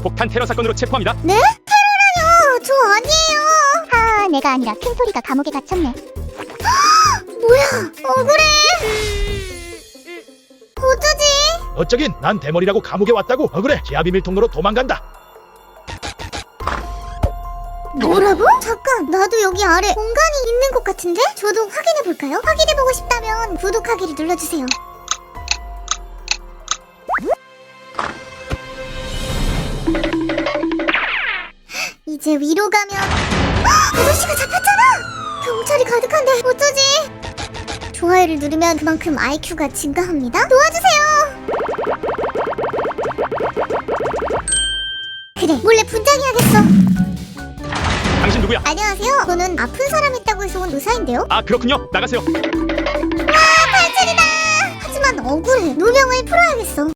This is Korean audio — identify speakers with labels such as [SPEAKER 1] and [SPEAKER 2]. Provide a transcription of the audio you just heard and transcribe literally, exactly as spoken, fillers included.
[SPEAKER 1] 폭탄 테러 사건으로 체포합니다.
[SPEAKER 2] 네? 테러라뇨! 저 아니에요! 하, 내가 아니라 큰소리가 감옥에 갇혔네. 뭐야! 억울해! 어쩌지?
[SPEAKER 3] 어쩌긴 난 대머리라고 감옥에 왔다고. 억울해. 지하 비밀 통로로 도망간다.
[SPEAKER 2] 뭐라고? 잠깐, 나도 여기 아래 공간이 있는 것 같은데? 저도 확인해볼까요? 확인해보고 싶다면 구독하기를 눌러주세요. 이제 위로 가면 헉! 아저씨가 잡혔잖아! 경찰이 가득한데 어쩌지? 좋아요를 누르면 그만큼 아이큐가 증가합니다. 도와주세요! 그래, 몰래 분장해야겠어.
[SPEAKER 1] 당신 누구야?
[SPEAKER 2] 안녕하세요. 저는 아픈 사람 있다고 해서 온 의사인데요.
[SPEAKER 1] 아, 그렇군요. 나가세요.
[SPEAKER 2] 와, 탈출이다! 하지만 억울해. 누명을 풀어야겠어.